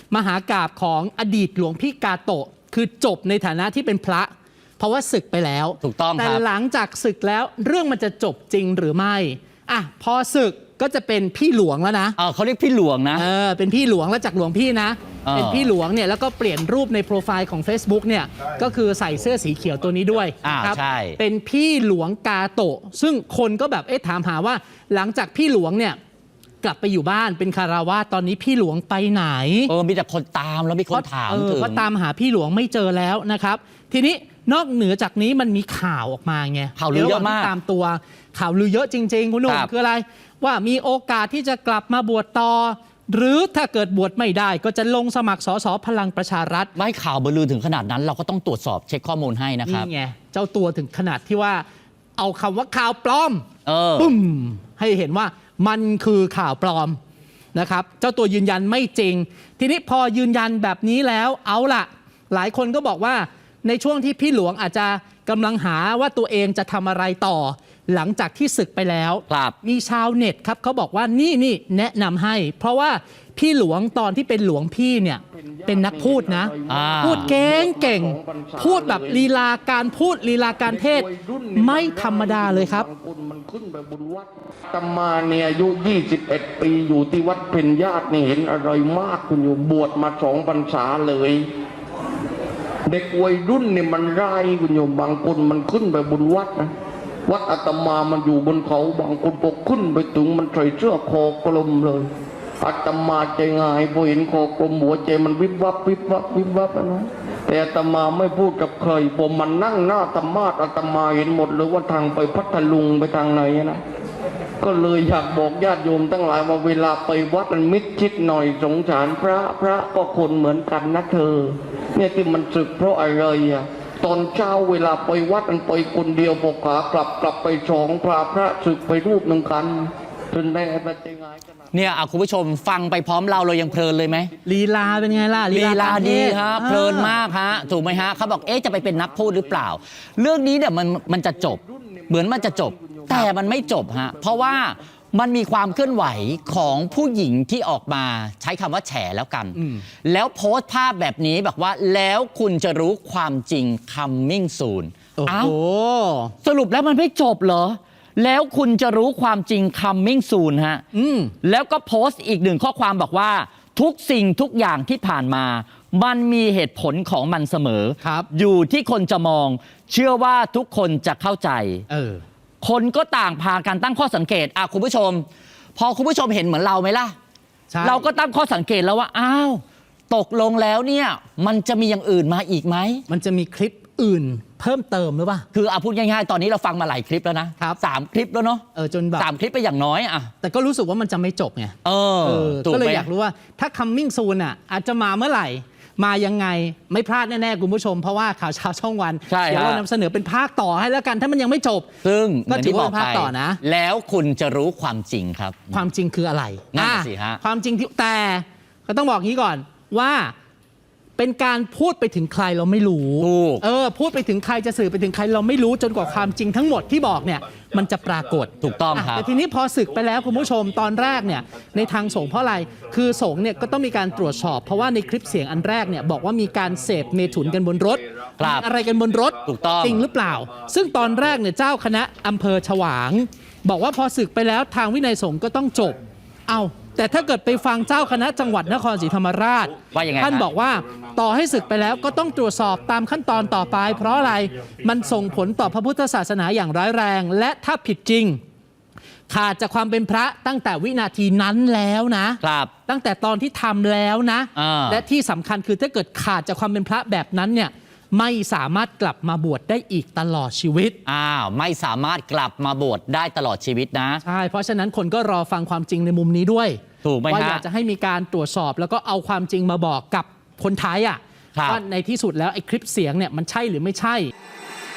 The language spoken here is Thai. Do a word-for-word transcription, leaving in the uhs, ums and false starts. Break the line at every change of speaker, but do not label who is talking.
มหากาพย์ของอดีตหลวงพี่กาโตะคือจบในฐานะที่เป็นพระเพราะว่าศึกไปแล้ว
ถูกต้องครับ
แต่หลังจากศึกแล้วเรื่องมันจะจบจริงหรือไม่อ่ะพอศึกก็จะเป็นพี่หลวงแล้วนะ
เออเขาเรียกพี่หลวงนะ
เออเป็นพี่หลวงแล้วจากหลวงพี่นะเป็นพี่หลวงเนี่ยแล้วก็เปลี่ยนรูปในโปรไฟล์ของ Facebook เนี่ยก็คือใส่เสื้อสีเขียวตัวนี้ด้วย
ครับ
เป็นพี่หลวงกาโตะซึ่งคนก็แบบเอ๊ะถามหาว่าหลังจากพี่หลวงเนี่ยกลับไปอยู่บ้านเป็นคารวาสตอนนี้พี่หลวงไปไหน
เออมีแต่คนตามแล้วมีคนถามถึง
ว่าตามหาพี่หลวงไม่เจอแล้วนะครับทีนี้นอกเหนือจากนี้มันมีข่าวออกมาไง
ข่าวลือเยอะมาก
ตามตัวข่าวลือเยอะจริงๆคุณหนุ่มคืออะไรว่ามีโอกาสที่จะกลับมาบวชต่อหรือถ้าเกิดบวชไม่ได้ก็จะลงสมัครสสพลังประชารัฐ
ไม่ข่าวลือถึงขนาดนั้นเราก็ต้องตรวจสอบเช็คข้อมูลให้นะครับ
นี่ไงเจ้าตัวถึงขนาดที่ว่าเอาคำว่าข่าวปลอม
ปุ้
มให้เห็นว่ามันคือข่าวปลอมนะครับเจ้าตัวยืนยันไม่จริงทีนี้พอยืนยันแบบนี้แล้วเอาล่ะหลายคนก็บอกว่าในช่วงที่พี่หลวงอาจจะกำลังหาว่าตัวเองจะทำอะไรต่อหลังจากที่ศึกไปแล้วมีชาวเน็ตครับเขาบอกว่านี่นี่แนะนำให้เพราะว่าพี่หลวงตอนที่เป็นหลวงพี่เนี่ยเป็นนักพูดนะพูดเก่งเก่งพูดแบบลีลาการพูดลีลาการเทศไม่ธรรมดาเลยครับ
ตมาเนี่ยอายุยี่สิบเอ็ดปีอยู่ที่วัดเพ็ญญาตินี่เห็นอะไรมากคุณอยู่บวชมาสองพรรษาเลยเด็กวัยรุ่นเนี่ยมันร้ายคุณโยมบางคนมันขึ้นไปบนวัดนะวัดอาตมามันอยู่บนเขาบางคนพอขึ้นไปถึงมันใส่เสื้อคอกลมเลยอาตมาใจง่ายพอเห็นคอกลมหัวใจมันวิบวับวิบวับวิบวับนะแต่อาตมาไม่พูดกับใครผมมันนั่งหน้าธรรมาสอาตมาเห็นหมดเลยว่าทางไปพัทลุงไปทางไหนนะก็เลยอยากบอกญาติโยมทั้งหลายว่าเวลาไปวัดมันมิดชิดหน่อยสงสารพระพระก็คนเหมือนกันนะเธอเนี่ยที่มันศึกเพราะอะไรอ่ะตอนเช้าเวลาไปวัดมันไปคนเดียวพอขากลับกลับไปสองพระพระศึกไปรูปหนึ่งกันจนได้ปัจจัยง่าย
เนี่ยคุณผู้ชมฟังไปพร้อมเราเรายังเพลินเลยไหม
ลีลาเป็นไงล่ะ
ลีลาดีฮะเพลินมากฮะถูกไหมฮะเขาบอกเอ๊ะจะไปเป็นนักพูดหรือเปล่าเรื่องนี้เนี่ยมันมันจะจบเหมือนมันจะจบแต่มันไม่จบฮะเพราะว่ามันมีความเคลื่อนไหวของผู้หญิงที่ออกมาใช้คำว่าแฉแล้วกันแล้วโพสต์ภาพแบบนี้บอกว่าแล้วคุณจะรู้ความจริง coming soon
โอ้โห
สรุปแล้วมันไม่จบเหรอแล้วคุณจะรู้ความจริง coming soon ฮะแล้วก็โพสต์อีกหนึ่งข้อความบอกว่าทุกสิ่งทุกอย่างที่ผ่านมามันมีเหตุผลของมันเสมออยู่ที่คนจะมองเชื่อว่าทุกคนจะเข้าใจ
เออ
คนก็ต่างพากันตั้งข้อสังเกตอ่ะคุณผู้ชมพอคุณผู้ชมเห็นเหมือนเราไหมล่ะเราก็ตั้งข้อสังเกตแล้วว่าอ้าวตกลงแล้วเนี่ยมันจะมีอย่างอื่นมาอีกไหม
มันจะมีคลิปอื่นเพิ่มเติมหรือเปล่า
คือเอาพูดง่ายๆตอนนี้เราฟังมาหลายคลิปแล้วนะครับสามคลิปแล้วเนาะ
เออจนแบบ
สามคลิปไปอย่างน้อยอ่ะ
แต่ก็รู้สึกว่ามันจะไม่จบไง
เออ
ก็เลยอยากรู้ว่าถ้า coming soon อ่ะอาจจะมาเมื่อไหร่มายังไงไม่พลาดแน่ๆคุณผู้ชมเพราะว่าข่าวเช้าช่องวันเดี๋ยวเรานำเสนอเป็นภาคต่อให้แล้วกันถ้ามันยังไม่จบ
ซึ่ง
ก็ถือว่าภาคต่อนะ
แล้วคุณจะรู้ความจริงครับ
ความจริงคืออะไร
นั่นสิฮะ
ความจริงที่แต่ก็ต้องบอกงี้ก่อนว่าเป็นการพูดไปถึงใครเราไม่รู้เออพูดไปถึงใครจะสื่อไปถึงใครเราไม่รู้จนกว่าความจริงทั้งหมดที่บอกเนี่ยมันจะปรากฏ
ถูกต้องครับ
แต่ทีนี้พอศึกไปแล้วคุณผู้ชมตอนแรกเนี่ยในทางสงฆ์เพราะอะไรคือสงฆ์เนี่ยก็ต้องมีการตรวจสอบเพราะว่าในคลิปเสียงอันแรกเนี่ยบอกว่ามีการเสพเมถุนกันบนรถอะไรกันบนรถ
ถูกต้อง
จริงหรือเปล่าซึ่งตอนแรกเนี่ยเจ้าคณะอำเภอฉวางบอกว่าพอศึกไปแล้วทางวินัยสงฆ์ก็ต้องจบเอาแต่ถ้าเกิดไปฟังเจ้าคณะจังหวัดนครศรีธรรมราชท่านบอกว่าต่อให้ศึกไปแล้วก็ต้องตรวจสอบตามขั้นตอนต่อไปเพราะอะไรมันส่งผลต่อพระพุทธศาสนาอย่างร้ายแรงและถ้าผิดจริงขาดจากความเป็นพระตั้งแต่วินาทีนั้นแล้วนะครับตั้งแต่ตอนที่ทำแล้วนะและที่สำคัญคือถ้าเกิดขาดจากความเป็นพระแบบนั้นเนี่ยไม่สามารถกลับมาบวชได้อีกตลอดชีวิต
อ้าวไม่สามารถกลับมาบวชได้ตลอดชีวิตนะ
ใช่เพราะฉะนั้นคนก็รอฟังความจริงในมุมนี้ด้วย
ถูกไหมฮะ
ว่าอยากจะให้มีการตรวจสอบแล้วก็เอาความจริงมาบอกกับคนไทยอ่ะว่าในที่สุดแล้วไอ้คลิปเสียงเนี่ยมันใช่หรือไม่ใช่